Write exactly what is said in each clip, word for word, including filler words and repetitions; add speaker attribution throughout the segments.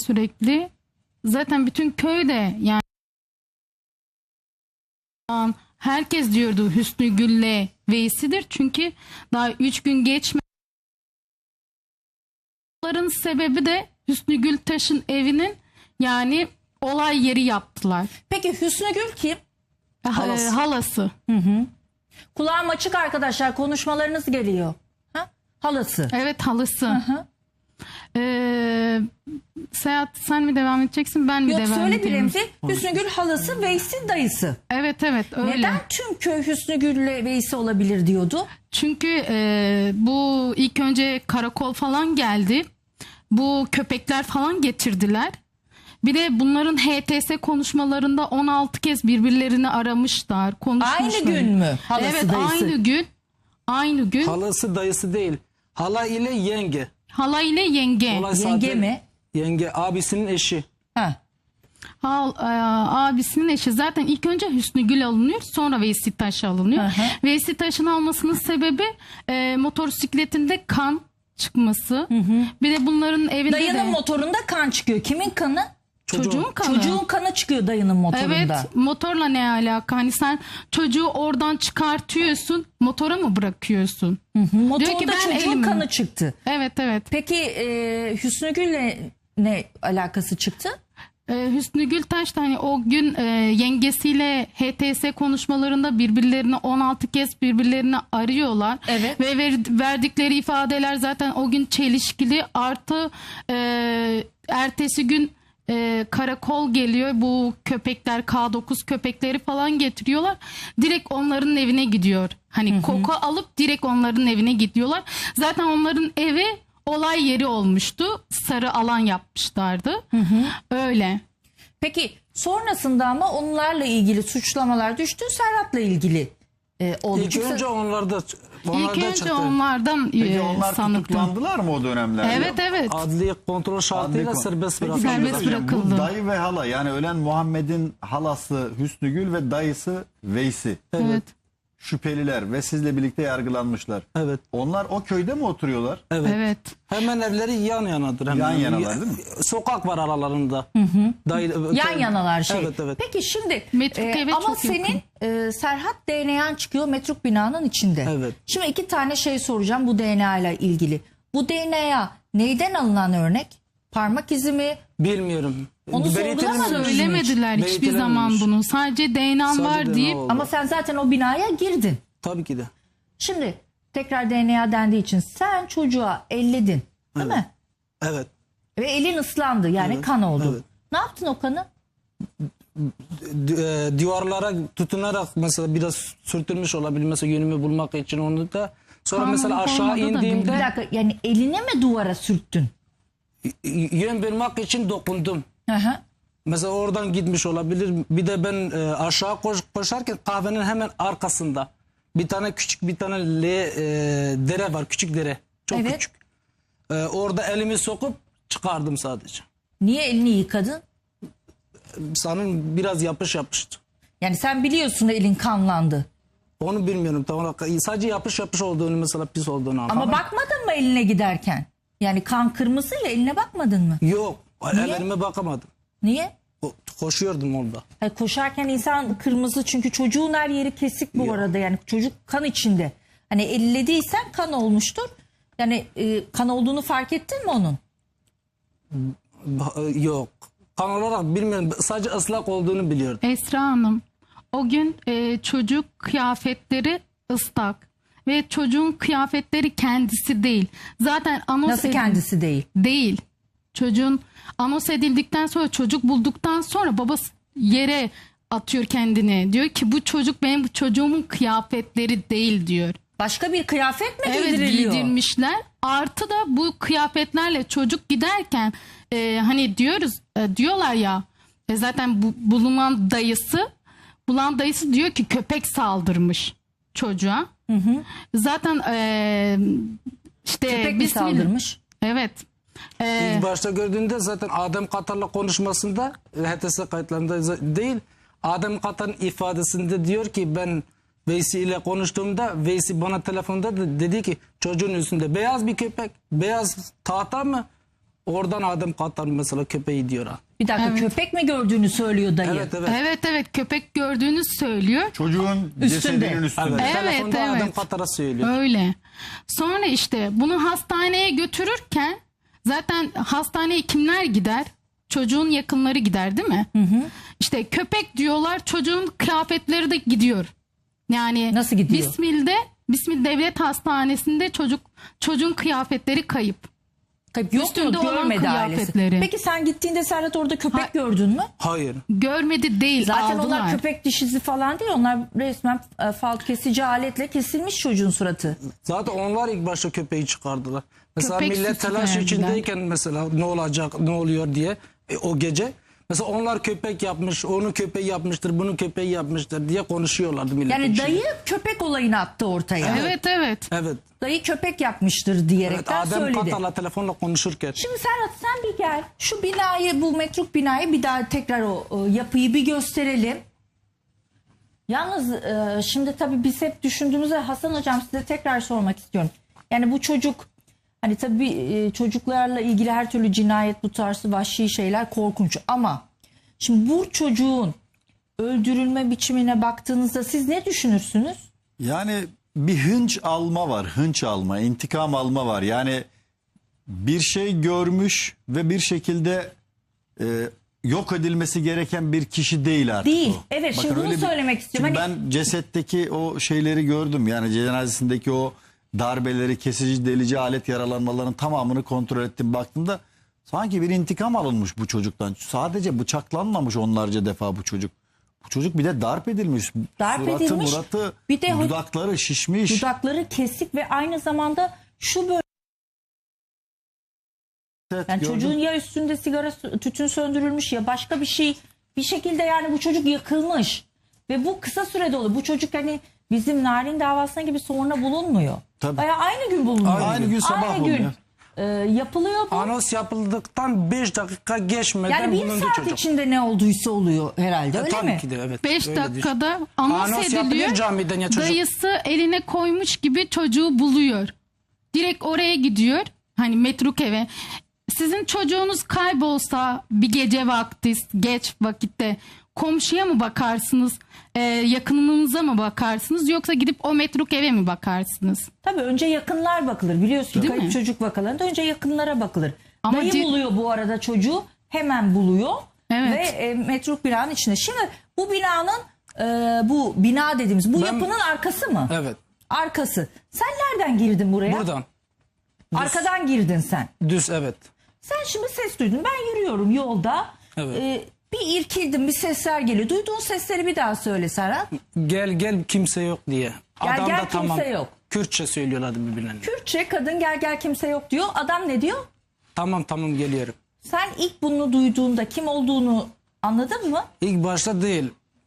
Speaker 1: sürekli. Zaten bütün köyde yani herkes diyordu Hüsnü Gül'le Veysi'dir. Çünkü daha üç gün geçmedi. Bunların sebebi de Hüsnü Gültaş'ın evinin yani olay yeri yaptılar.
Speaker 2: Peki Hüsnü Gül kim?
Speaker 1: Halası. Halası.
Speaker 2: Hı hı. Kulağım açık arkadaşlar, konuşmalarınız geliyor. Ha? Halası.
Speaker 1: Evet, halası.
Speaker 2: Hı hı.
Speaker 1: Ee, Seyahat sen mi devam edeceksin ben mi
Speaker 2: Yok,
Speaker 1: devam
Speaker 2: söyle
Speaker 1: edeyim?
Speaker 2: bir Remzi. Hüsnü Gül halası, Veysi dayısı.
Speaker 1: Evet evet öyle.
Speaker 2: Neden tüm köy Hüsnü Gül'le Veysi olabilir diyordu?
Speaker 1: Çünkü e, bu ilk önce karakol falan geldi. Bu köpekler falan getirdiler. Bir de bunların H T S konuşmalarında on altı kez birbirlerini aramışlar, konuşmuşlar.
Speaker 2: Aynı gün mü? Halası,
Speaker 1: evet,
Speaker 2: dayısı.
Speaker 1: aynı gün. Aynı gün.
Speaker 3: Halası dayısı değil. Hala ile yenge.
Speaker 1: Hala ile yenge.
Speaker 3: Olay
Speaker 2: Yenge
Speaker 3: zaten
Speaker 2: mi?
Speaker 3: Yenge abisinin eşi.
Speaker 2: Ha.
Speaker 1: Hal, e, abisinin eşi. Zaten ilk önce Hüsnü Gül alınıyor, sonra Veysi Taş alınıyor.
Speaker 2: Hı hı.
Speaker 1: Veysi Taş'ın almasının sebebi e, motosikletinde kan çıkması. Hı hı. Bir de bunların evinde
Speaker 2: Dayının
Speaker 1: de
Speaker 2: motorunda kan çıkıyor. Kimin kanı?
Speaker 1: çocuğun kanı.
Speaker 2: Çocuğun kanı çıkıyor dayının motorunda.
Speaker 1: Evet, motorla ne alaka? Hani sen çocuğu oradan çıkartıyorsun, motora mı bırakıyorsun?
Speaker 2: Hı hı. Motorda
Speaker 1: Diyor ki ben
Speaker 2: çocuğun
Speaker 1: elimi-
Speaker 2: kanı çıktı.
Speaker 1: Evet evet.
Speaker 2: Peki e, Hüsnü Gül'le ne alakası çıktı?
Speaker 1: Ee, Hüsnü Gültaş da hani o gün e, yengesiyle H T S konuşmalarında birbirlerini on altı kez birbirlerini arıyorlar.
Speaker 2: Evet.
Speaker 1: Ve ver, verdikleri ifadeler zaten o gün çelişkili. Artı e, ertesi gün e, karakol geliyor. Bu köpekler K dokuz köpekleri falan getiriyorlar. Direkt onların evine gidiyor. Hani hı hı. koku alıp direkt onların evine gidiyorlar. Zaten onların evi olay yeri olmuştu. Sarı alan yapmışlardı. Hı hı. Öyle.
Speaker 2: Peki sonrasında ama onlarla ilgili suçlamalar düştü. Serhat'la ilgili e, oldu.
Speaker 3: İlk
Speaker 2: Çünkü-
Speaker 3: önce onlarda onlarda
Speaker 1: İlk önce
Speaker 3: çıktı.
Speaker 1: onlardan
Speaker 4: Peki
Speaker 1: e,
Speaker 4: onlar
Speaker 1: sanıktım.
Speaker 4: tutuklandılar mı o dönemlerde?
Speaker 1: Evet evet.
Speaker 3: Adli kontrol şartıyla
Speaker 4: Adli kon-
Speaker 3: serbest
Speaker 4: Peki,
Speaker 3: bırakıldı.
Speaker 1: Serbest
Speaker 4: hocam,
Speaker 1: bırakıldı.
Speaker 4: Bu dayı ve hala, yani ölen Muhammed'in halası Hüsnü Gül ve dayısı Veysi.
Speaker 1: Evet.
Speaker 4: Şüpheliler ve sizle birlikte yargılanmışlar.
Speaker 3: Evet.
Speaker 4: Onlar o köyde mi oturuyorlar?
Speaker 3: Evet.
Speaker 1: Evet.
Speaker 3: Hemen evleri yan yanadır. Hemen.
Speaker 4: Yan yanalar değil mi?
Speaker 3: Sokak var aralarında. Hı
Speaker 2: hı.
Speaker 3: Dayı,
Speaker 2: Yan yanalar şey.
Speaker 3: Evet evet.
Speaker 2: Peki şimdi
Speaker 1: Metruk
Speaker 2: e,
Speaker 1: eve
Speaker 2: ama
Speaker 1: çok
Speaker 2: senin
Speaker 1: yakın.
Speaker 2: e, Serhat D N A'nın çıkıyor metruk binanın içinde.
Speaker 3: Evet.
Speaker 2: Şimdi iki tane şey soracağım bu D N A ile ilgili. Bu D N A neyden alınan örnek? Parmak izi mi?
Speaker 3: Bilmiyorum.
Speaker 2: Onu
Speaker 3: Belirtilememiş.
Speaker 2: sorgulamadın.
Speaker 1: Söylemediler hiçbir
Speaker 3: Belirtilememiş.
Speaker 1: zaman bunu. Sadece D N A'm
Speaker 3: Sadece
Speaker 1: var
Speaker 3: D N A
Speaker 1: deyip
Speaker 3: oldu.
Speaker 2: Ama sen zaten o binaya girdin.
Speaker 3: Tabii ki de.
Speaker 2: Şimdi tekrar D N A dendiği için sen çocuğa elledin değil
Speaker 3: Evet.
Speaker 2: mi?
Speaker 3: Evet.
Speaker 2: Ve elin ıslandı yani
Speaker 3: Evet,
Speaker 2: kan oldu.
Speaker 3: evet.
Speaker 2: Ne yaptın o kanı?
Speaker 3: D- e, Duvarlara tutunarak mesela biraz sürtülmüş olabilir mesela yönümü bulmak için onu da. Sonra
Speaker 1: Kan
Speaker 3: mesela
Speaker 1: olup
Speaker 3: aşağı
Speaker 1: olmadığı da
Speaker 2: Bir
Speaker 3: indiğimde
Speaker 2: dakika, yani eline mi duvara sürttün?
Speaker 3: y- yön bulmak için dokundum.
Speaker 2: Hı hı.
Speaker 3: Mesela oradan gitmiş olabilir. Bir de ben e, aşağı koş, koşarken kahvenin hemen arkasında bir tane küçük bir tane L, e, dere var. Küçük dere. Çok
Speaker 2: Evet.
Speaker 3: küçük. E, orada elimi sokup çıkardım sadece.
Speaker 2: Niye elini yıkadın?
Speaker 3: Sanırım biraz yapış yapıştı.
Speaker 2: Yani sen biliyorsun elin kanlandı.
Speaker 3: Onu bilmiyorum tam olarak. Sadece yapış yapış olduğunu mesela pis olduğunu anladım.
Speaker 2: Ama bakmadın mı eline giderken? Yani kan kırmızı ya, eline bakmadın mı?
Speaker 3: Yok.
Speaker 2: Niye?
Speaker 3: Ellerime bakamadım.
Speaker 2: Niye?
Speaker 3: Ko- Koşuyordum orada.
Speaker 2: Hayır, koşarken insan kırmızı çünkü çocuğun her yeri kesik bu
Speaker 3: Yok.
Speaker 2: arada, yani çocuk kan içinde. Hani ellediysen kan olmuştur. Yani e, kan olduğunu fark ettin mi onun?
Speaker 3: Ba- Yok. Kan olarak bilmiyorum. Sadece ıslak olduğunu biliyordum.
Speaker 1: Esra Hanım o gün e, çocuk kıyafetleri ıslak ve çocuğun kıyafetleri kendisi değil. Zaten anons
Speaker 2: Nasıl
Speaker 1: edil-
Speaker 2: kendisi değil?
Speaker 1: değil. Çocuğun anons edildikten sonra çocuk bulduktan sonra babası yere atıyor kendini. Diyor ki bu çocuk benim çocuğumun kıyafetleri değil diyor.
Speaker 2: Başka bir kıyafet mi
Speaker 1: Evet
Speaker 2: giydiriliyor?
Speaker 1: giydirmişler. Artı da bu kıyafetlerle çocuk giderken e, hani diyoruz e, diyorlar ya e, zaten bu, bulunan dayısı bulan dayısı diyor ki köpek saldırmış çocuğa. Hı hı. Zaten e, işte
Speaker 2: Köpek mi
Speaker 1: bismillah-
Speaker 2: saldırmış?
Speaker 1: Evet. E,
Speaker 3: İlk başta gördüğünde zaten Adem Katar'la konuşmasında H T S kayıtlarında za- değil. Adem Katar'ın ifadesinde diyor ki ben Veysi ile konuştuğumda Veysi bana telefonda da dedi ki çocuğun üstünde beyaz bir köpek, beyaz tahta mı? Oradan Adem Kattar mesela köpeği diyor ha.
Speaker 2: Bir dakika,
Speaker 1: Evet.
Speaker 2: köpek mi gördüğünü söylüyor dayı.
Speaker 3: Evet evet.
Speaker 1: Evet evet köpek gördüğünü söylüyor.
Speaker 4: Çocuğun
Speaker 2: Üstünde.
Speaker 4: cesedinin üstünde.
Speaker 3: Evet,
Speaker 1: Evet,
Speaker 3: telefonda
Speaker 1: evet.
Speaker 3: Adem Kattar'a söylüyor.
Speaker 1: Öyle. Sonra işte bunu hastaneye götürürken zaten hastaneye kimler gider? Çocuğun yakınları gider değil mi? Hı hı. İşte köpek diyorlar, çocuğun kıyafetleri de gidiyor. Yani
Speaker 2: Nasıl gidiyor?
Speaker 1: Bismil'de, Bismil Devlet Hastanesi'nde çocuk çocuğun kıyafetleri kayıp.
Speaker 2: Tabii yok
Speaker 1: Üstünde
Speaker 2: mu?
Speaker 1: olan
Speaker 2: Görmedi ailesi.
Speaker 1: kıyafetleri.
Speaker 2: Peki sen gittiğinde Serhat orada köpek
Speaker 1: Ha-
Speaker 2: gördün mü?
Speaker 3: Hayır.
Speaker 1: Görmedi değil,
Speaker 2: Zaten
Speaker 1: aldılar.
Speaker 2: onlar köpek dişisi falan değil. Onlar resmen e, fal kesici aletle kesilmiş çocuğun suratı.
Speaker 3: Zaten onlar ilk başta köpeği çıkardılar. Mesela
Speaker 1: Köpek
Speaker 3: millet
Speaker 1: sütü
Speaker 3: telaş
Speaker 1: verdiler.
Speaker 3: içindeyken mesela ne olacak, ne oluyor diye e, o gece. Mesela onlar köpek yapmış, onu köpeği yapmıştır, bunu köpeği yapmıştır diye konuşuyorlardı millet.
Speaker 2: Yani dayı köpek olayını attı ortaya.
Speaker 1: Evet evet.
Speaker 3: Evet.
Speaker 2: Dayı köpek yapmıştır
Speaker 3: Evet,
Speaker 2: diyerekten
Speaker 3: Adem
Speaker 2: söyledi.
Speaker 3: Kattar'la telefonla konuşurken.
Speaker 2: Şimdi Serhat sen bir gel. Şu binayı, bu metruk binayı bir daha tekrar o, o yapıyı bir gösterelim. Yalnız e, şimdi tabii biz hep düşündüğümüzde Hasan hocam size tekrar sormak istiyorum. Yani bu çocuk hani tabii e, çocuklarla ilgili her türlü cinayet, bu tarzı vahşi şeyler korkunç ama şimdi bu çocuğun öldürülme biçimine baktığınızda siz ne düşünürsünüz?
Speaker 4: Yani bir hınç alma var. Hınç alma, intikam alma var. Yani bir şey görmüş ve bir şekilde e, yok edilmesi gereken bir kişi değil artık
Speaker 2: Değil.
Speaker 4: o.
Speaker 2: Evet, şimdi bunu
Speaker 4: öyle
Speaker 2: söylemek istiyorum.
Speaker 4: Şimdi
Speaker 2: Hani-
Speaker 4: ben cesetteki o şeyleri gördüm. Yani cenazesindeki o darbeleri, kesici, delici alet yaralanmalarının tamamını kontrol ettim. Baktığımda sanki bir intikam alınmış bu çocuktan. Sadece bıçaklanmamış onlarca defa bu çocuk. Bu çocuk bir de darp edilmiş.
Speaker 2: Darp
Speaker 4: Suratı,
Speaker 2: edilmiş.
Speaker 4: muratı,
Speaker 2: Bir de ho-
Speaker 4: dudakları şişmiş.
Speaker 2: Dudakları kesik ve aynı zamanda şu böyle
Speaker 4: Evet,
Speaker 2: yani
Speaker 4: gördüm.
Speaker 2: çocuğun ya üstünde sigara tütün söndürülmüş ya başka bir şey, bir şekilde yani bu çocuk yakılmış ve bu kısa sürede oluyor. Bu çocuk hani bizim Narin davasına gibi sonra bulunmuyor.
Speaker 4: Tabii.
Speaker 2: Bayağı aynı gün bulunuyor.
Speaker 4: Aynı gün sabah
Speaker 2: Aynı
Speaker 4: bulunuyor.
Speaker 2: gün e, yapılıyor bu.
Speaker 3: Anons yapıldıktan beş dakika geçmeden
Speaker 2: Yani bir
Speaker 3: bulundu
Speaker 2: saat
Speaker 3: çocuk.
Speaker 2: içinde ne olduysa oluyor herhalde,
Speaker 3: E,
Speaker 2: öyle
Speaker 3: tabii
Speaker 2: mi?
Speaker 3: ki de evet.
Speaker 1: beş
Speaker 3: öyledir.
Speaker 1: dakikada anons,
Speaker 3: Anons yapılıyor
Speaker 1: ediliyor.
Speaker 3: camiden ya çocuk.
Speaker 1: Dayısı eline koymuş gibi çocuğu buluyor. Direkt oraya gidiyor. Hani metruk eve. Sizin çocuğunuz kaybolsa bir gece vakti, geç vakitte komşuya mı bakarsınız? Ee, yakınınıza mı bakarsınız? Yoksa gidip o metruk eve mi bakarsınız?
Speaker 2: Tabii önce yakınlar bakılır. Biliyorsun
Speaker 1: Değil
Speaker 2: kayıp
Speaker 1: mi?
Speaker 2: çocuk vakalarında önce yakınlara bakılır.
Speaker 1: Ama
Speaker 2: Dayı
Speaker 1: ci-
Speaker 2: buluyor bu arada çocuğu. Hemen buluyor.
Speaker 1: Evet.
Speaker 2: Ve e, metruk binanın içinde. Şimdi bu binanın e, bu bina dediğimiz bu
Speaker 3: Ben-
Speaker 2: yapının arkası mı?
Speaker 3: Evet.
Speaker 2: Arkası. Sen nereden girdin buraya?
Speaker 3: Buradan.
Speaker 2: Arkadan girdin sen.
Speaker 3: Düz evet.
Speaker 2: Sen şimdi ses duydun. Ben yürüyorum yolda.
Speaker 3: Evet.
Speaker 2: E, bir irkildim, bir sesler geliyor. Duyduğun sesleri bir daha söyle Serhat.
Speaker 3: Gel gel kimse yok diye.
Speaker 2: Gel,
Speaker 3: Adam
Speaker 2: gel,
Speaker 3: da tamam.
Speaker 2: kimse yok.
Speaker 3: Kürtçe söylüyorlardı birbirlerine.
Speaker 2: Kürtçe kadın gel gel kimse yok diyor. Adam ne diyor?
Speaker 3: Tamam tamam geliyorum.
Speaker 2: Sen ilk bunu duyduğunda kim olduğunu anladın mı?
Speaker 3: İlk başta değil.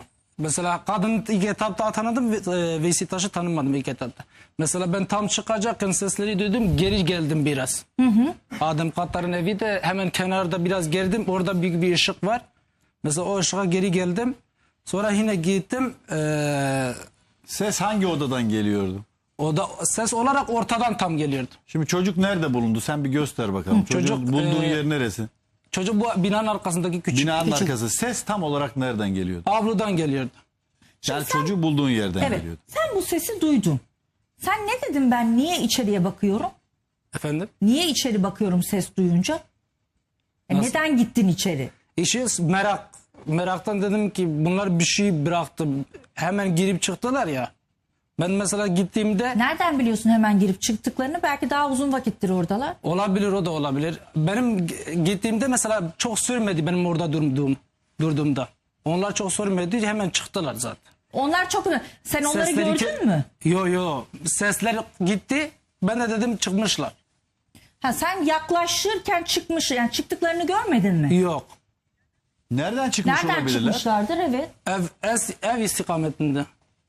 Speaker 3: Mesela kadın ilk etapta tanıdım ve e, Vesitaş'ı tanımadım ilk etapta. Mesela ben tam çıkacakken sesleri duydum, geri geldim biraz. Hı hı. Adem Kattar'ın evi de hemen kenarda biraz gerdim, orada büyük bir ışık var. Mesela o ışığa geri geldim. Sonra yine gittim. Ee,
Speaker 4: Ses hangi odadan geliyordu?
Speaker 3: o da ses olarak ortadan tam geliyordu.
Speaker 4: Şimdi çocuk nerede bulundu? Sen bir göster bakalım. Çocuğun
Speaker 3: çocuk,
Speaker 4: bulduğun
Speaker 3: e,
Speaker 4: yer neresi?
Speaker 3: Çocuk bu binanın arkasındaki küçük.
Speaker 4: Binanın
Speaker 3: küçük
Speaker 4: arkası. Ses tam olarak nereden geliyordu?
Speaker 3: avludan geliyordu.
Speaker 4: Yani
Speaker 2: sen-
Speaker 4: çocuğu bulduğun yerden
Speaker 2: Evet.
Speaker 4: geliyordu.
Speaker 2: Sen bu sesi duydun. Sen ne dedin, ben niye içeriye bakıyorum?
Speaker 3: Efendim?
Speaker 2: Niye içeri bakıyorum ses duyunca? E
Speaker 3: Nasıl?
Speaker 2: neden gittin içeri?
Speaker 3: İşi merak. Meraktan dedim ki bunlar bir şey bıraktı. Hemen girip çıktılar ya. Ben mesela gittiğimde
Speaker 2: Nereden biliyorsun hemen girip çıktıklarını? Belki daha uzun vakittir oradalar.
Speaker 3: olabilir, o da olabilir. Benim g- gittiğimde mesela çok sürmedi benim orada durduğum durduğumda. Onlar çok sürmedi, hemen çıktılar zaten.
Speaker 2: Onlar çok... Sen onları
Speaker 3: Sesleri
Speaker 2: gördün
Speaker 3: ke-
Speaker 2: mü?
Speaker 3: Yo yo. Sesler gitti. Ben de dedim çıkmışlar.
Speaker 2: Ha, sen yaklaşırken çıkmış, yani çıktıklarını görmedin mi?
Speaker 3: Yok.
Speaker 4: Nereden çıkmış
Speaker 2: Nereden
Speaker 4: olabilirler?
Speaker 2: çıkmışlardır? Evet.
Speaker 3: Ev, ev, ev istikametinde.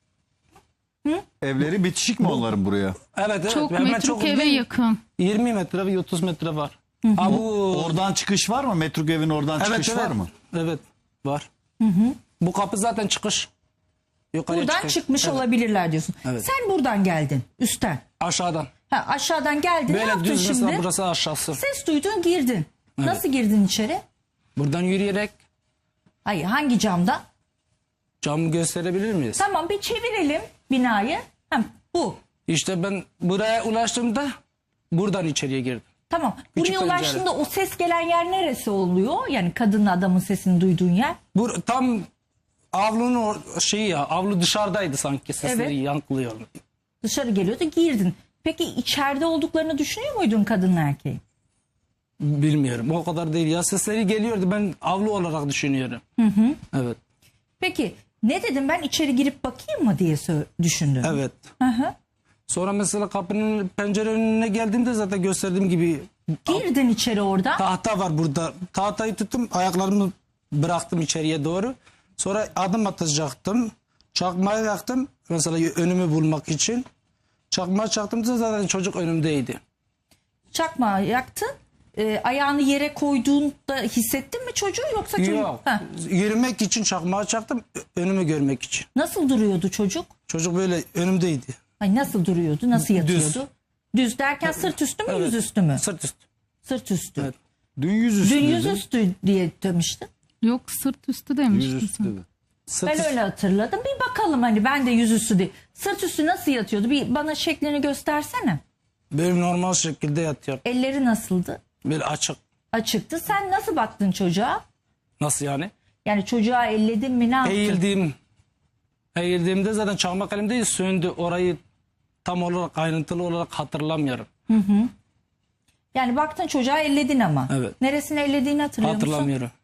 Speaker 4: Evleri bitişik mi onların buraya?
Speaker 3: Evet evet.
Speaker 1: Çok
Speaker 3: Hemen
Speaker 1: metruk eve
Speaker 3: değil.
Speaker 1: yakın.
Speaker 3: yirmi metre ve otuz metre var. Ha, bu
Speaker 4: Oradan çıkış var mı? Metruk evin oradan
Speaker 3: evet,
Speaker 4: çıkış
Speaker 3: evet.
Speaker 4: var mı?
Speaker 3: Evet var. Bu kapı zaten çıkış. Yukarıya
Speaker 2: Buradan
Speaker 3: çıkış.
Speaker 2: çıkmış
Speaker 3: Evet.
Speaker 2: olabilirler diyorsun.
Speaker 3: Evet.
Speaker 2: Sen buradan geldin, üstten.
Speaker 3: Aşağıdan.
Speaker 2: Ha, aşağıdan geldin. Ne
Speaker 3: Böyle
Speaker 2: yaptın
Speaker 3: düz
Speaker 2: şimdi?
Speaker 3: mesela burası aşağısı.
Speaker 2: Ses duydun, girdin. Nasıl girdin içeri?
Speaker 3: Buradan yürüyerek
Speaker 2: Hayır, hangi camda?
Speaker 3: camı gösterebilir miyiz?
Speaker 2: Tamam, bir çevirelim binayı. Hem bu.
Speaker 3: İşte ben buraya ulaştığımda buradan içeriye girdim.
Speaker 2: Tamam.
Speaker 3: Küçük
Speaker 2: Buraya
Speaker 3: pencere.
Speaker 2: ulaştığında o ses gelen yer neresi oluyor? Yani kadınla adamın sesini duyduğun yer.
Speaker 3: Bu tam avlunun or- şeyi ya, avlu dışarıdaydı sanki, sesleri
Speaker 2: Evet.
Speaker 3: yankılıyor.
Speaker 2: Dışarı geliyordu, girdin. Peki içeride olduklarını düşünüyor muydun kadınla erkeğin?
Speaker 3: Bilmiyorum, o kadar değil ya, sesleri geliyordu, ben avlu olarak düşünüyorum. Hı hı. Evet.
Speaker 2: Peki ne dedim, ben içeri girip bakayım mı diye sö- düşündüm.
Speaker 3: Evet.
Speaker 2: Hı hı.
Speaker 3: Sonra mesela kapının pencere önüne geldiğimde zaten gösterdiğim gibi
Speaker 2: Girdin içeri orada.
Speaker 3: tahta var burada. Tahtayı tuttum, ayaklarımı bıraktım içeriye doğru. Sonra adım atacaktım. Çakmağı yaktım mesela önümü bulmak için. Çakmağı çaktığımda zaten çocuk önümdeydi.
Speaker 2: Çakmağı yaktın. Ee, ayağını yere koyduğunda hissettin mi çocuğu, yoksa çocuk...
Speaker 3: Yok.
Speaker 2: Ha.
Speaker 3: Yürümek için çakmağı çaktım, önümü görmek için.
Speaker 2: Nasıl duruyordu çocuk?
Speaker 3: Çocuk böyle önümdeydi.
Speaker 2: Ay, nasıl duruyordu? Nasıl yatıyordu?
Speaker 3: Düz.
Speaker 2: Düz derken sırt üstü mü,
Speaker 3: Evet.
Speaker 2: yüzüstü mü?
Speaker 3: Sırt üstü.
Speaker 2: Sırt üstü.
Speaker 3: Evet.
Speaker 4: Dün yüzüstü
Speaker 2: Dün
Speaker 4: dedi.
Speaker 2: yüzüstü diye demiştin.
Speaker 1: Yok, sırt üstü demiştin
Speaker 4: Yüzüstü
Speaker 1: sen.
Speaker 4: dedi.
Speaker 3: Sırt
Speaker 2: Ben
Speaker 3: üstü.
Speaker 2: öyle hatırladım. Bir bakalım, hani ben de yüzüstü değil. Sırt üstü nasıl yatıyordu? Bir bana şeklini göstersene.
Speaker 3: Böyle normal şekilde yatıyor.
Speaker 2: Elleri nasıldı?
Speaker 3: Böyle açık.
Speaker 2: Açıktı. Sen nasıl baktın çocuğa?
Speaker 3: Nasıl yani?
Speaker 2: Yani çocuğa elledin mi, ne yaptın?
Speaker 3: Eğildiğim, eğildiğimde zaten çakmak elimde söndü. Orayı tam olarak ayrıntılı olarak hatırlamıyorum.
Speaker 2: Yani baktın çocuğa, elledin ama.
Speaker 3: Evet.
Speaker 2: Neresini ellediğini hatırlıyor musun?
Speaker 3: Hatırlamıyorum.